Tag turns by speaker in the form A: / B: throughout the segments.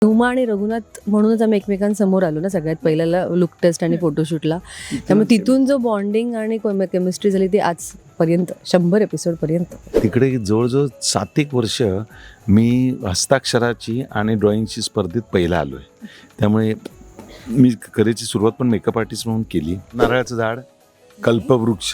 A: हुमा आणि रघुनाथ म्हणूनच आम्ही एकमेकांसमोर आलो ना सगळ्यात पहिल्याला लुक टेस्ट आणि फोटोशूटला. त्यामुळे तिथून जो बॉन्डिंग आणि केमिस्ट्री झाली ती आजपर्यंत 100 एपिसोडपर्यंत.
B: तिकडे जवळजवळ 7 वर्ष मी हस्ताक्षराची आणि ड्रॉइंगची स्पर्धेत पहिला आलो आहे. त्यामुळे मी कलेची सुरुवात पण मेकअप आर्टिस्ट म्हणून केली. नारळाचं झाड, कल्पवृक्ष,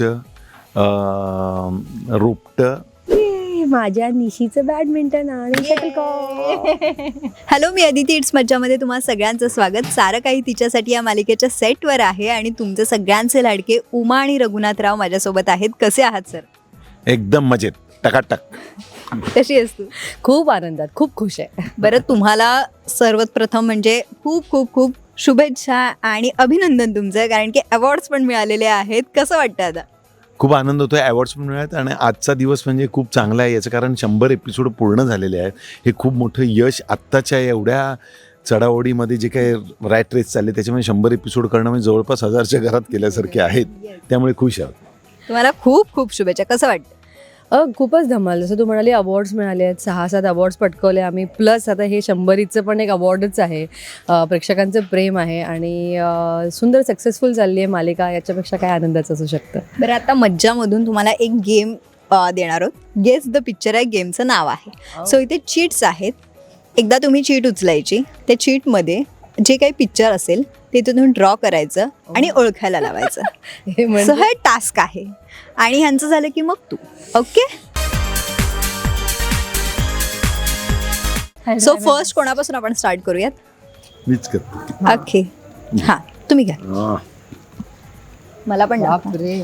B: रोपटं,
A: माझ्या निशीचं बॅडमिंटन आणि शटलकॉक.
C: हॅलो, मी अदिती. इट्स मज्जामध्ये तुम्हा सगळ्यांचं स्वागत. सारं काही तिच्यासाठी या मालिकेच्या सेटवर आहे आणि तुमचे सगळ्यांचे लाडके उमा आणि रघुनाथराव माझ्यासोबत आहेत. कसे आहात सर?
B: एकदम मजेत, टकाटक.
C: कशी आहेस तू?
A: खूप आनंदात, खूप खुश आहे.
C: बरं, तुम्हाला सर्वात प्रथम म्हणजे खूप खूप खूप शुभेच्छा आणि अभिनंदन तुमचं, कारण की अवॉर्ड्स पण मिळालेले आहेत. कसं वाटतं आता?
B: खूप आनंद होतो आहे. अवॉर्ड्स पण मिळाले आणि आजचा दिवस म्हणजे खूप चांगला आहे. याचं कारण 100 एपिसोड पूर्ण झालेले आहेत. हे खूप मोठं यश आत्ताच्या एवढ्या चढाओढीमध्ये जे काही रॅट रेस चालले त्याच्यामध्ये 100 एपिसोड करणं म्हणजे जवळपास 1000च्या घरात केल्यासारखे आहेत. त्यामुळे खुश आहोत.
C: तुम्हाला खूप खूप शुभेच्छा. कसं वाटतं?
A: खूपच धमाल. जसं तू म्हणाली अवॉर्ड्स मिळाले आहेत, 6-7 अवॉर्ड्स पटकवले आम्ही. प्लस आता हे 100चं पण एक अवॉर्डच आहे. प्रेक्षकांचं प्रेम आहे आणि सुंदर सक्सेसफुल चालली आहे मालिका. याच्यापेक्षा काय आनंदाचं असू शकतं.
C: बरं, आता मज्जामधून तुम्हाला एक गेम देणार आहोत. गेस द पिक्चर आहे गेमचं नाव आहे. सो इथे चीट्स आहेत. एकदा तुम्ही चीट उचलायची. त्या चीटमध्ये जे काही पिक्चर असेल ते तुम्ही ड्रॉ करायचं आणि ओळखायला लावायचं. सो हे टास्क आहे आणि ह्यांचं झालं की मग तू. ओके, सो फर्स्ट कोणापासून आपण स्टार्ट करूयात?
B: मीच करतो.
C: ओके, हां तुम्ही घ्या. मला पण दाखवा.
A: बापरे.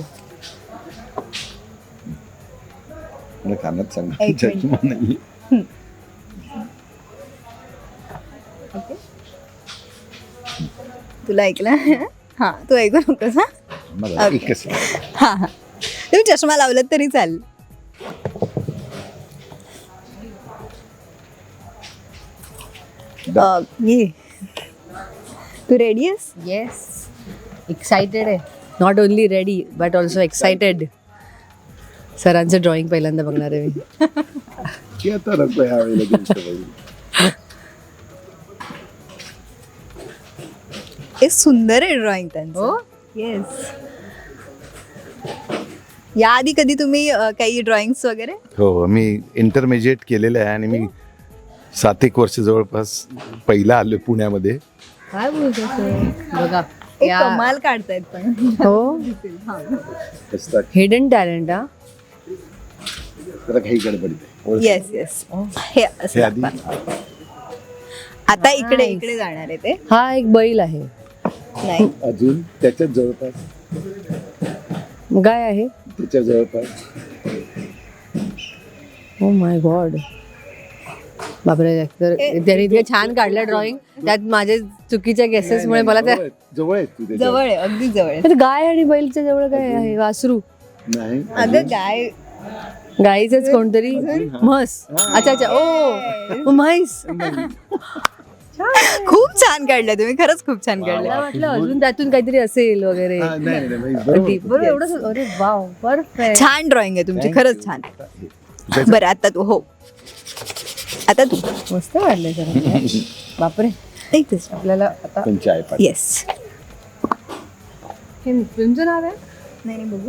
B: मला कानात सांग.
C: एक मिनिट. ओके, तुला ऐकलं? हां, तू ऐकू नकोस. हां हां, तुम्ही चष्मा लावलात तरी चालेल. ये, तू रेडी आहेस?
A: येस, एक्सायटेड आहे. Not only ready but also excited. सरांचं ड्रॉइंग पहिल्यांदा बघणार आहे मी.
C: हे सुंदर आहे ड्रॉइंग त्यांचं.
A: हो?
C: येस. याआधी कधी तुम्ही काही ड्रॉइंग्स वगैरे?
B: हो, मी इंटरमिजिएट केलेलं आहे आणि मी 7 वर्ष जवळपास पहिला आलो पुण्यामध्ये.
A: काय बोलतो बघा.
C: एक कमाल काढतायत पण.
A: हो, हिडन टॅलेंट. हा,
B: काही गडबड.
C: Yes yes. हे असं
B: हे आधी
C: दाखवा. आता इकडे इकडे जाणार आहे ते.
A: हा एक बैल आहे.
C: नाही,
B: अजून त्याच्यात जवळपास
A: गाय आहे.
B: त्याच्या जवळपास
A: ओ माय गॉड. बापरे, तर त्यांनी इतकं छान काढलं ड्रॉइंग. त्यात माझे चुकीच्या गेसेसमुळे मला त्या
B: जवळ आहे तू त्याच्या.
C: जवळ आहे, अगदी जवळ आहे.
A: तर गाय आणि बैलच्या जवळ काय आहे? वासरू.
B: नाही
C: अगं गाय.
A: गाईचंच कोणतरी. म्हस. अच्छा अच्छा. ओ म्हैस.
C: खूप छान काढलं तुम्ही, खरंच खूप छान
A: मला
C: काढलं.
A: वाटलं अजून त्यातून काहीतरी असेल वगैरे. बरोबर, एवढं. अरे वाव, परफेक्ट.
C: छान ड्रॉइंग आहे तुमची, खरंच छान. बरं, आता तू. हो, आता तू.
A: मस्त काढलंय सर. बापरे.
C: एक
A: आपल्याला आता
C: येस.
A: हे फिल्मचं नाव आहे?
C: नाही बघू.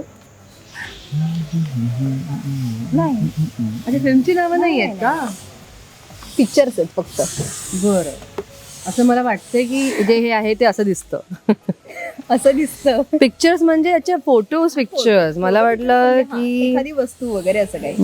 A: नाही. अच्छा, फिल्मची नावं नाही आहेत का?
C: पिक्चर्स आहेत फक्त.
A: बरं. असं मला वाटतंय की जे हे आहे ते असं दिसतं.
C: असं दिसतं.
A: पिक्चर्स म्हणजे याच्या फोटोज पिक्चर्स. मला वाटलं की
C: एखादी वस्तू वगैरे असं काही.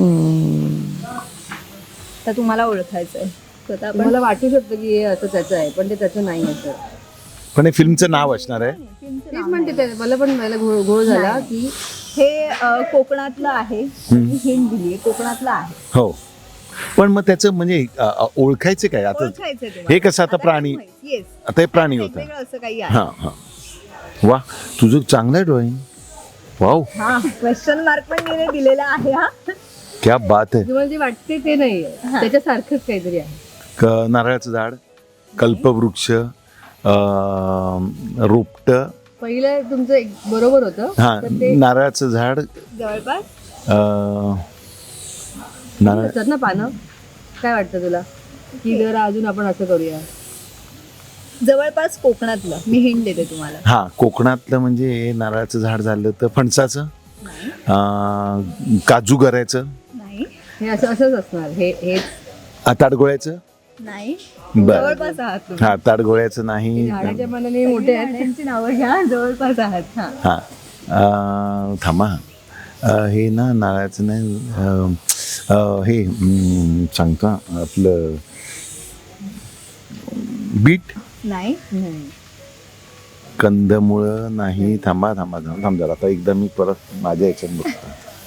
C: तर तुम्हाला ओळखायचंय स्वतः.
A: मला वाटू शकतं की हे असं त्याचं आहे, पण ते त्याचं नाही आहे.
B: पण हे फिल्मचं नाव असणार आहे.
A: तेच म्हणते ते. मला पण मला घोळ झाला की
C: हे कोकणातलं आहे. हिंट दिली, कोकणातलं आहे.
B: हो, पण मग त्याचं म्हणजे ओळखायचं काय आता?
C: ओळखायचंय तुम्हाला.
B: हे कसं आता प्राणी.
C: येस,
B: आता हे प्राणी होता.
C: वेगवेगळं असं काही आहे.
B: हा हा. वा, तुझं चांगलं आहे ड्रॉइंग. वाव,
C: हा, क्वेश्चन मार्क पण दिलेला आहे. हा,
B: क्या बात आहे.
A: तुम्हाला जे वाटते ते नाही आहे, त्याच्यासारखंच काहीतरी आहे.
B: नारळाचं झाड, कल्पवृक्ष, रोपटं.
A: पहिलं तुमचं एक बरोबर होतं.
B: हा, नारळाचं झाड,
C: जवळपास.
B: नारळ
A: असतात ना पानं. काय वाटतं तुला की जरा अजून आपण असं करूया?
C: जवळपास कोकणातलं मी हिंट देते तुम्हाला.
B: हां, कोकणातलं म्हणजे नारळाचं झाड झालं तर फणसाचं, काजू गऱ्याचं,
C: नाही
A: हे असंच असणार हे
B: ताडगोळ्याचं.
C: नाही
B: बरं.
C: जवळपास आहात तुम्ही.
B: हां, ताडगोळ्याचं नाही.
A: झाडाच्या मनाने मोठे आहेत.
C: झाडांची नावं घ्या, जवळपास आहात. हा
B: हां, थांबा. हे ना नारळाचं नाही, हे सांगतो आपलं बीट,
C: नाही
B: कंदमुळं नाही. थांबा जरा, आता एकदा मी परत माझ्या याच्यात बघतो.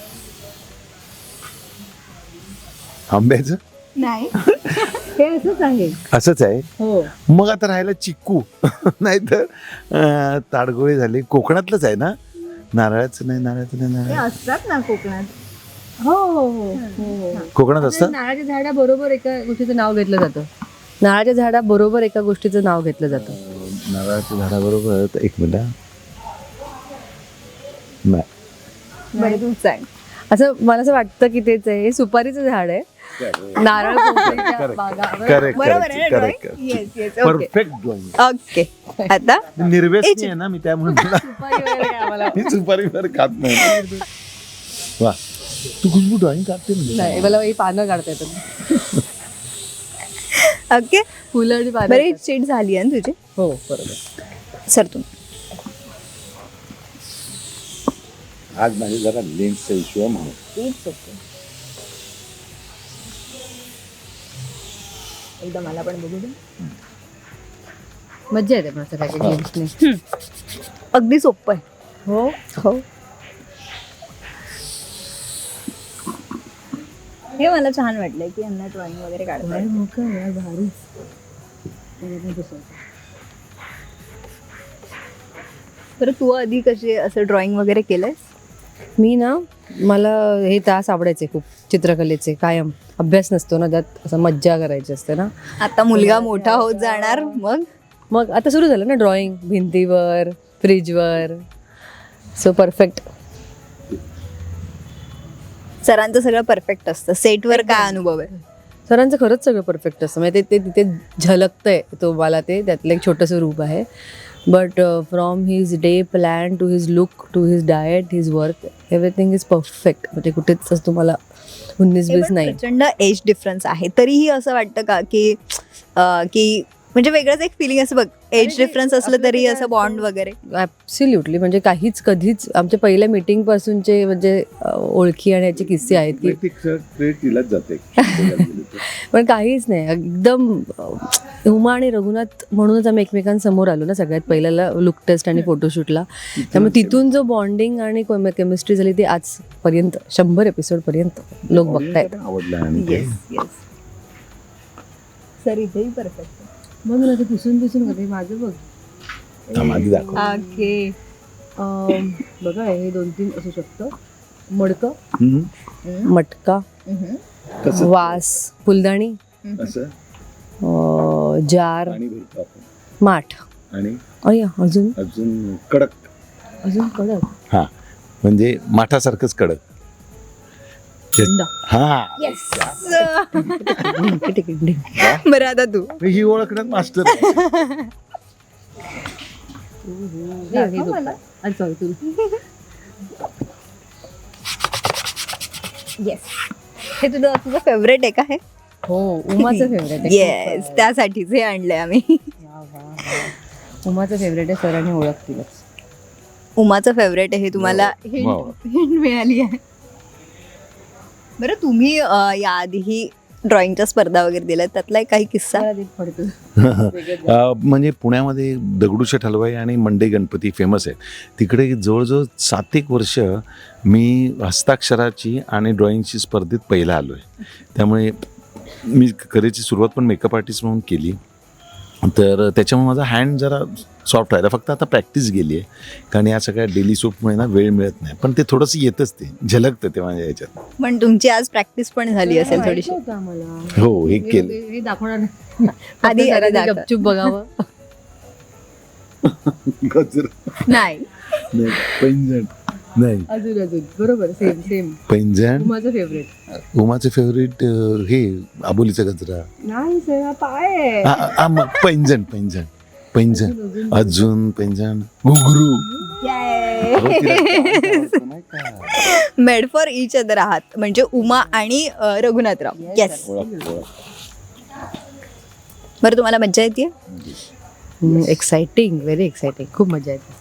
B: आंब्याचं
C: नाही
A: हे असंच आहे.
B: असंच आहे.
A: हो
B: मग आता राहायला चिक्कू नाही तर ताडगोळे झाले. कोकणातलंच आहे ना? नारळाचं नाही.
C: हे असतात ना कोकणात.
A: हो हो हो हो.
B: कोकणात असतं.
A: नारळाच्या झाडाबरोबर एका गोष्टीचं नाव घेतलं जातं. नारळाच्या झाडाबरोबर एका गोष्टीचं नाव घेतलं जातं.
B: नारळाच्या झाडाबरोबर एक मिनिट. नाही,
C: बरं तूच सांग.
A: असं मला असं वाटतं की तेच आहे. हे सुपारीचं झाड आहे. नारळ पोफळीच्या बागा.
B: करेक्ट
C: बरोबर आहे ना
B: correct
C: drawing? Yes yes okay
B: perfect drawing.
C: Okay. आता
B: निर्व्यसनी आहे ना मी, त्यामुळे मला
A: सुपारी वगैरे काय आम्हाला
B: मी सुपारीवर खात नाही. वा, तू खुशबू ड्रॉइंग काढते ना?
A: नाही, मला ही पानं काढता येतात.
C: ओके
A: फुलं आणि पानं
C: बरं ही
A: येतात.
C: चीट झाली आहे ना तुझी.
A: हो बरोबर.
C: सर तुम्ही
B: आज माझे जरा लेन्सचा इश्यू आहे म्हणून.
C: एकदा मला पण बघू दे.
A: मज्जा येते पण असं काय काय गेम्सने.
C: अगदी सोपं आहे.
A: हो
C: हो हे मला छान वाटलंय की यांना ड्रॉइंग वगैरे काढता येतं.
A: भारी.
C: बरं तू आधी कसे असं ड्रॉइंग वगैरे केलंयस?
A: मी ना मला हे तास आवडायचे खूप चित्रकलेचे. कायम अभ्यास नसतो ना त्यात, असं मज्जा करायची असते ना.
C: आता मुलगा मोठा होत जाणार
A: मग आता सुरू झालं ना ड्रॉइंग भिंतीवर, फ्रीजवर. So perfect.
C: सरांचं सगळं परफेक्ट असतं. सेटवर काय अनुभव आहे?
A: सरांचं खरंच सगळं परफेक्ट असतं. म्हणजे ते तिथे झलकतंय तुम्हाला. ते त्यातलं एक छोटंसं रूप आहे. But from his day plan to his look to his diet his work everything is perfect. म्हणजे कुठेच असं तुम्हाला 19-20 नाही.
C: प्रचंड एज डिफरन्स आहे तरीही असं वाटतं का की की म्हणजे वेगळंच एक फिलिंग असं बघ एज डिफरन्स असलं तरी असं बॉन्ड वगैरे.
A: ॲब्सोल्युटली. म्हणजे काहीच कधीच आमच्या पहिल्या मीटिंग पासूनचे म्हणजे ओळखी आणि याचे किस्से आहेत की
B: तिलाच जाते.
A: पण काहीच नाही. एकदम उमा आणि रघुनाथ म्हणूनच आम्ही एकमेकांसमोर आलो ना सगळ्यात पहिल्याला लुक टेस्ट आणि फोटोशूटला. त्यामुळे तिथून जो बॉन्डिंग आणि केमिस्ट्री झाली ती आजपर्यंत 100 एपिसोडपर्यंत लोक बघतायत.
B: आवडला आणि ते.
C: सर इथेही परफेक्ट.
A: बघ ना ते पुसून कधी माझं बघ.
B: आधी दाखव.
C: ओके
A: बघा हे 2-3 असू शकतं. मडकं,
B: हम्म.
A: मटका,
B: कसं?
A: वास, फुलदाणी,
B: असं
A: जार,
B: पाणी भरतो आपण.
A: माठ.
B: आणि
A: अय्या अजून
B: अजून कडक.
A: कडक.
B: हा, म्हणजे माठासारखंच कडक.
A: थंडा.
B: हा,
C: बरं आता तू
B: ही ओळखण्यात मास्टर.
C: येस हे तुझं फेवरेट आहे का हे?
A: हो उमाचं फेवरेट आहे.
C: येस त्यासाठीच हे आणलंय आम्ही.
A: उमाचं फेवरेट आहे. सरांनी ओळखतीलच.
C: उमाचं फेवरेट आहे हे तुम्हाला हिंट मिळाली आहे. बरं तुम्ही याआधीही ड्रॉइंगच्या स्पर्धा वगैरे दिल्या त्यातला एक काही किस्सा?
B: म्हणजे पुण्यामध्ये दगडूशेठ हलवाई आणि मंडई गणपती फेमस आहेत. तिकडे जवळजवळ 7-1 वर्ष मी हस्ताक्षराची आणि ड्रॉइंगची स्पर्धेत पहिला आलो आहे. त्यामुळे मी करिअरची सुरुवात पण मेकअप आर्टिस्ट म्हणून केली. तर त्याच्यामुळे माझा हँड जरा सॉफ्ट राहिला. फक्त आता प्रॅक्टिस गेली आहे कारण या सगळ्या डेली सोपमुळे ना वेळ मिळत नाही. पण ते थोडंसं येतच, ते झलकतं ते माझ्या याच्यात.
C: पण तुमची आज प्रॅक्टिस पण झाली असेल थोडीशी.
B: हो, हे केलं.
A: हे दाखवणार
C: आधी दाखव.
A: गपचूप बघावं.
C: नाही
B: पैंजण नाही.
A: अजून बरोबर सेम
B: पैंजण.
A: उमाचं फेवरेट.
B: उमाचे फेवरेट हे आबोलीचा गजरा.
A: नाही सर पाय.
B: मग पैंजण. पैंजण, अजून पैंजण, घुंगरू. अहो, तिला dance आवडतो नाही का?
C: मेड फॉर इच अदर आहात म्हणजे उमा आणि रघुनाथराव. येस. बरं, तुम्हाला मज्जा येते?
A: एक्साइटिंग, व्हेरी एक्साइटिंग, खूप मजा येते.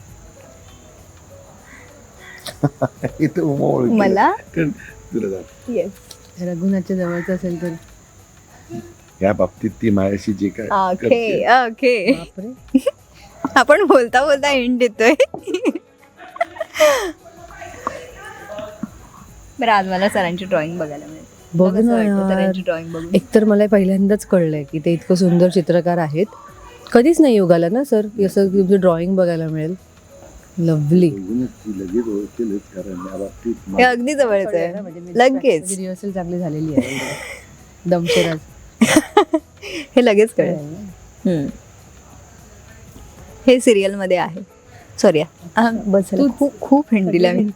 B: इथं उमा ओळखी.
C: मला
B: तुला जात.
C: येस.
A: रघुनाथच्या जवळचं असेल तर
B: या बाबतीत ती माझ्याशी जे काय
C: ओके
B: करते.
C: ओके.
A: बापरे.
C: आपण बोलता बोलता एंड देतोय. बरं, आज मला सरांची ड्रॉइंग बघायला मिळते.
A: बघ
C: कसं
A: ना
C: वाटतं
A: यार.
C: सरांची ड्रॉइंग बघून?
A: एकतर मला पहिल्यांदाच कळलंय की ते इतकं सुंदर चित्रकार आहेत. कधीच नाही योगाला ना सर असं तुमचं ड्रॉइंग बघायला मिळेल. लवली.
B: ती लगेच ओळखेलच, कारण या बाबतीत
C: हे अगदी जवळच आहे. लगेच
A: रिहर्सल चांगली झालेली आहे. दमशेराज.
C: हे लगेच कळेल. हे सिरियल मध्ये आहे. सॉरी बस
A: तू
C: खूप खूप हिंट दिला मी.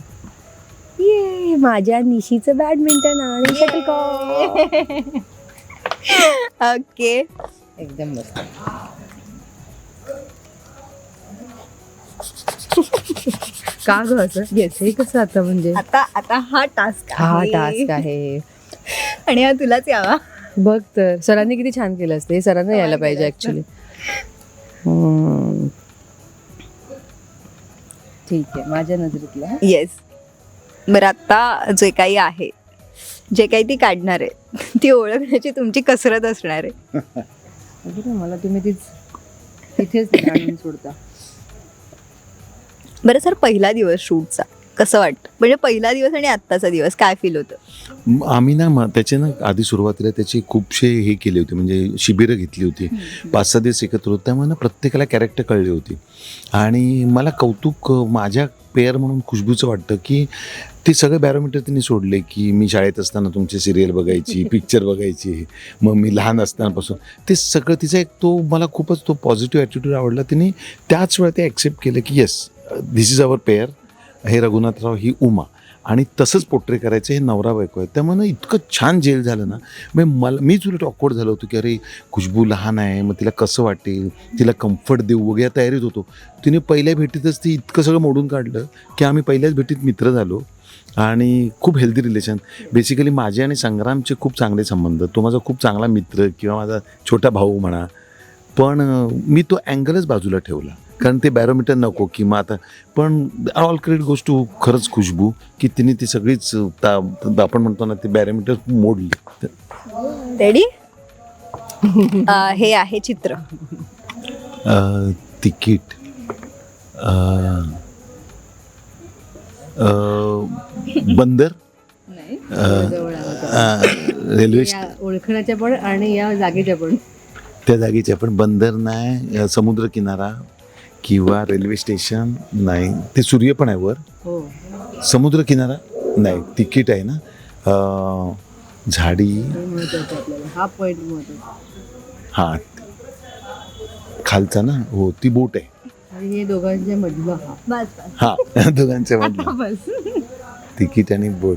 A: ये माझ्या निशीचं बॅडमिंटन आणि शटलकॉक.
C: ओके.
A: एकदम मस्त. का ग असं? येस, हे कसं आता म्हणजे
C: आता आता हा टास्क
A: हा टास्क आहे.
C: आणि हा तुलाच यावा.
A: बघ तर सरांनी किती छान केलं असतं. हे सरांना यायला पाहिजे ऍक्च्युली. ठीक आहे, माझ्या नजरेतला.
C: येस. बरं, आता जे काही आहे, जे काही ती काढणार आहे ती ओळखण्याची तुमची कसरत असणार आहे.
A: मला तुम्ही तिथेच आणून सोडता.
C: बरं सर, पहिला दिवस शूटचा कसं वाटतं? म्हणजे पहिला दिवस आणि आत्ताचा दिवस काय फील होतं?
B: आम्ही ना त्याचे ना आधी सुरुवातीला त्याचे खूपशे हे केले होते, म्हणजे शिबिरं घेतली होती. 5-6 दिवस एकत्र होते, त्यामुळे ना प्रत्येकाला कॅरेक्टर कळली होती. आणि मला कौतुक माझ्या पेअर म्हणून खुशबूचं वाटतं की ते सगळे बॅरोमीटर तिने सोडले. की मी शाळेत असताना तुमचे सिरियल बघायची, पिक्चर बघायची, मग मी लहान असतानापासून ते सगळं तिचा एक तो मला खूपच तो पॉझिटिव्ह ॲटिट्यूड आवडला. तिने त्याच वेळा ते ॲक्सेप्ट केलं की yes, this is our pair. हे रघुनाथराव, ही उमा, आणि तसंच पोर्ट्रे करायचं. हे नवरा बायको आहे. त्यामुळे ना इतकं छान जेल झालं ना. मग मीच उलट ऑकवर्ड झालो होतो की अरे खुशबू लहान आहे, मग तिला कसं वाटेल, तिला कम्फर्ट देऊ वगैरे तयारीत होतो. तिने पहिल्या भेटीतच ती इतकं सगळं मोडून काढलं की आम्ही पहिल्याच भेटीत मित्र झालो. आणि खूप हेल्दी रिलेशन. बेसिकली माझे आणि संग्रामचे खूप चांगले संबंध. तो माझा खूप चांगला मित्र किंवा माझा छोटा भाऊ म्हणा. पण मी तो अँगलच बाजूला ठेवला, कारण ते बॅरोमीटर नको की मग आता. पण ऑल क्रेडिट गोष्ट खरंच खुशबू की तिने ती सगळीच आपण म्हणतो ना ते बॅरोमीटर मोडली.
C: रेडी? हे आहे चित्र.
B: तिकीट, बंदर, रेल्वे
A: ओळखण्याच्या पण आणि या जागेच्या पण.
B: त्या जागेच्या पण. बंदर नाही, समुद्र किनारा किंवा रेल्वे स्टेशन नाही. ते सूर्य पण आहे वर.
A: हो.
B: समुद्र किनारा नाही. तिकीट आहे ना. झाडी.
A: महत्वाचं आपल्याला हा पॉइंट महत्वाचा.
B: हां, खालचा ना. हो, ती बोट आहे.
A: आणि हे दोघांच्या मधलं हा.
C: बस
B: हां, दोघांच्या मधलं
C: बस.
B: तिकीट आणि बोट.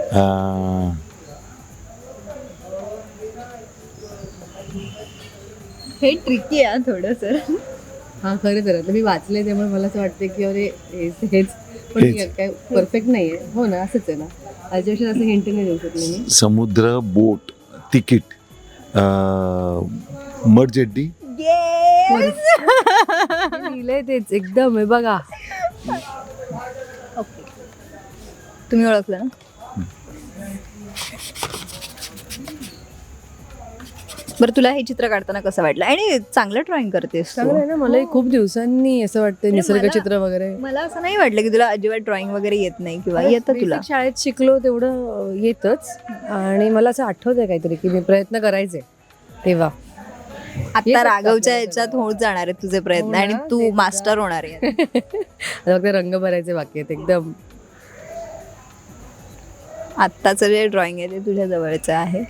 C: हे ट्रिकी आहे थोडं सर.
A: हा खरं तर आता मी वाचले त्यामुळे मला असं वाटतं की अरे हेच पण
B: हेच.
A: काय परफेक्ट नाहीये. हो ना, असंच आहे ना. याच्यापेक्षा असं हिंट नाही देऊ शकले मी.
B: समुद्र, बोट, तिकीट, मडजेड्डी.
A: लिहिलंय तेच एकदम आहे बघा.
C: ओके, तुम्ही ओळखलं ना. बरं, तुला हे चित्र काढताना कसं वाटलं? आणि चांगलं ड्रॉइंग करतेस तू.
A: चांगलं आहे ना. मलाही खूप दिवसांनी असं वाटतं निसर्ग चित्र वगैरे.
C: मला असं नाही वाटलं की तुला अजिबात ड्रॉइंग वगैरे येत नाही किंवा येतं तुला.
A: Basic शाळेत शिकलो तेवढं येतच. आणि मला असं आठवतंय काहीतरी की मी प्रयत्न करायचे तेव्हा.
C: आता राघवच्या याच्यात होत जाणार आहेत तुझे प्रयत्न आणि तू मास्टर होणार आहे.
A: आता फक्त रंग भरायचे बाकी आहेत एकदम.
C: आत्ताचं जे ड्रॉइंग आहे ते तुझ्या जवळचं आहे.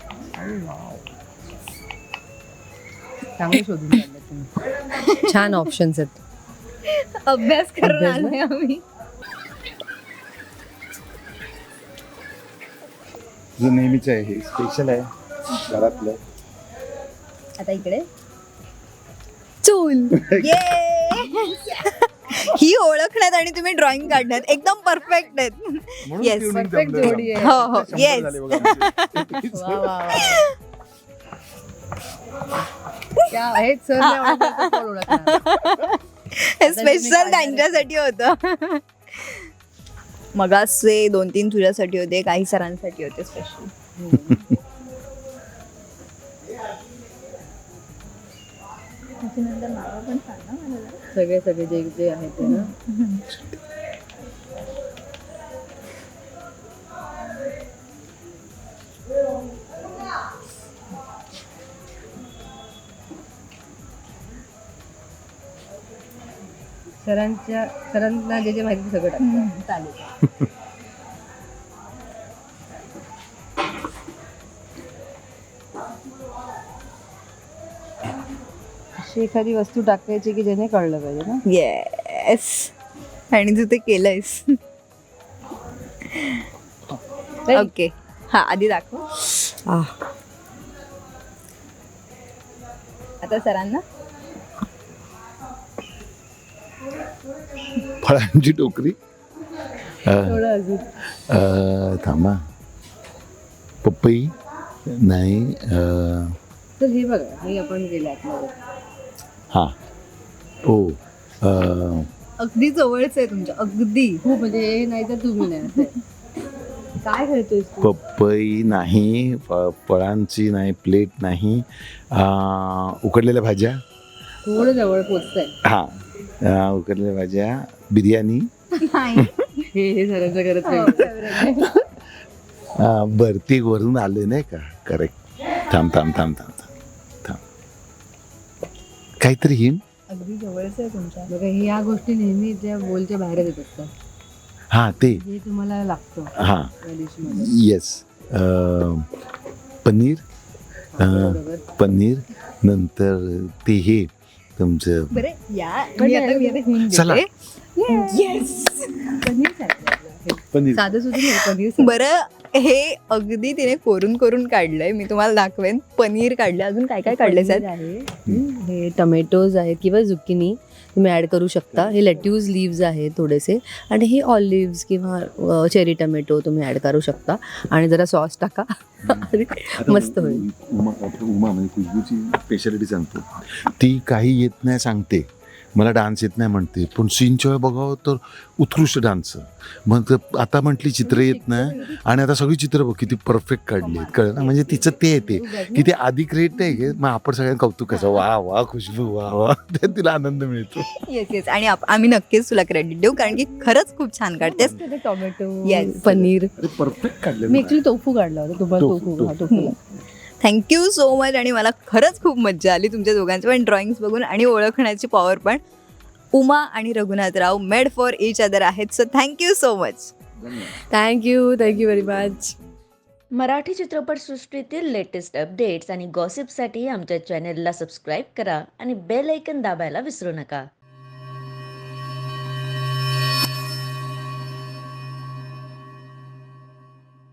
A: चांगलं शोधून काढलं तुम्ही. छान ऑप्शन्स आहेत.
C: अभ्यास करून
A: अभ्यास ना?
C: आलोय आम्ही.
B: जो नेहमीच आहे, हे स्पेशल आहे घरातलं.
C: आता इकडे
A: चूल.
C: ही ओळखण्यात आणि तुम्ही ड्रॉइंग काढण्यात एकदम परफेक्ट आहेत. येस,
A: Perfect जोडी आहे.
C: हो हो येस.
A: वा, वा, वा. क्या हे सर नाही ओळखलं तर कोण ओळखणार?
C: स्पेशल त्यांच्यासाठी होतं. मगाचे 2-3 तुझ्यासाठी होते, काही सरांसाठी होते स्पेशल.
A: सगळे सगळे जे जे आहेत ते ना. सरांना जे जे माहिती सगळं टाकतं. चालेल. अशी एखादी वस्तू टाकायची की ज्याने कळलं पाहिजे ना.
C: येस, आणि तू ते केलंयस. ओके, हा आधी दाखव. आता सरांना
B: फळांची टोकरी.
A: थोडं अजून.
B: थांबा. पपई नाही.
A: तर हे बघा, हे आपण केलं आतमध्ये.
B: हां. ओ.
C: अगदी जवळच आहे तुमच्या, अगदी.
A: खूप म्हणजे हे नाही तर तुम्ही नाही असं आहे. काय खेळतोयस तू?
B: पपई नाही. फळांची नाही. प्लेट नाही. उकडलेल्या भाज्या.
A: थोडं जवळ पोचतंय.
B: हां. उकडलेल्या भाज्या. बिर्याणी.
A: हे सरांचं करत नाही.
B: बरं, ते वरून आले नाही का. करेक्ट. थांब थांब थांब थांब थांब थांब. काहीतरी हिंट.
C: अगदी जवळच आहे तुमच्या.
A: बघा, ह्या गोष्टी नेहमी त्या बोलच्या बाहेर येत असतात.
B: हां, ते.
A: हे तुम्हाला लागतं
B: हां.
A: या डिशमध्ये.
B: येस. पनीर.
A: बरोबर.
B: पनीर नंतर ते हे तुमचं.
C: बरं या, मी आता hint
B: चला.
C: देते. येस.
B: पनीर.
A: साधं सुद्धा नाही पनीर.
C: बरं, हे अगदी तिने कोरून कोरून काढलंय. मी तुम्हाला दाखवेन. पनीर काढलं, अजून काय काय काढलंय
A: पनीर
C: सर?
A: आहे. हे टमॅटोज आहेत किंवा झुकिनी तुम्ही ॲड करू शकता. हे लेट्यूज लिव्ज आहेत थोडेसे, आणि हे ऑलिव्ज किंवा चेरी टमॅटो तुम्ही ॲड करू शकता, आणि जरा सॉस टाका. मस्त होईल.
B: उमा म्हणजे खुशबूची स्पेशालिटी सांगतो. ती काही येत नाही सांगते, मला डान्स येत नाही म्हणते, पण सीनच्या वेळी बघावं तर उत्कृष्ट डान्स. मग आता म्हटली चित्र येत नाही, आणि आता सगळी चित्र बघ किती परफेक्ट काढली आहेत. कळलं ना. म्हणजे तिचं ते येते की ते आधी क्रिएट नाही घे, मग आपण सगळ्यांना कौतुक करायचं, वा वा खुशबू वा वा. त्यात तिला आनंद मिळतो.
C: येस येस, आणि आम्ही नक्कीच तुला क्रेडिट देऊ, कारण की खरंच खूप छान काढतेस.
A: Tomato,
C: Yes.
A: पनीर.
B: परफेक्ट काढलं.
A: मी ऍक्च्युली टोफू काढला होता. तुम्हाला
B: टोफू,
A: टोफू. हा, टोफू.
C: Thank you so much. आणि मला खरंच खूप मज्जा आली तुमच्या दोघांचं पण ड्रॉइंग्स बघून, आणि ओळखण्याची पॉवर पण. उमा आणि Raghunathrao made for each other आहेत. So thank you so much.
A: Thank you very much.
D: Marathi चित्रपटसृष्टीतील लेटेस्ट अपडेट्स आणि गॉसिपसाठी आमच्या चॅनेलला सबस्क्राईब करा आणि बेल ऐकन दाबायला विसरू नका.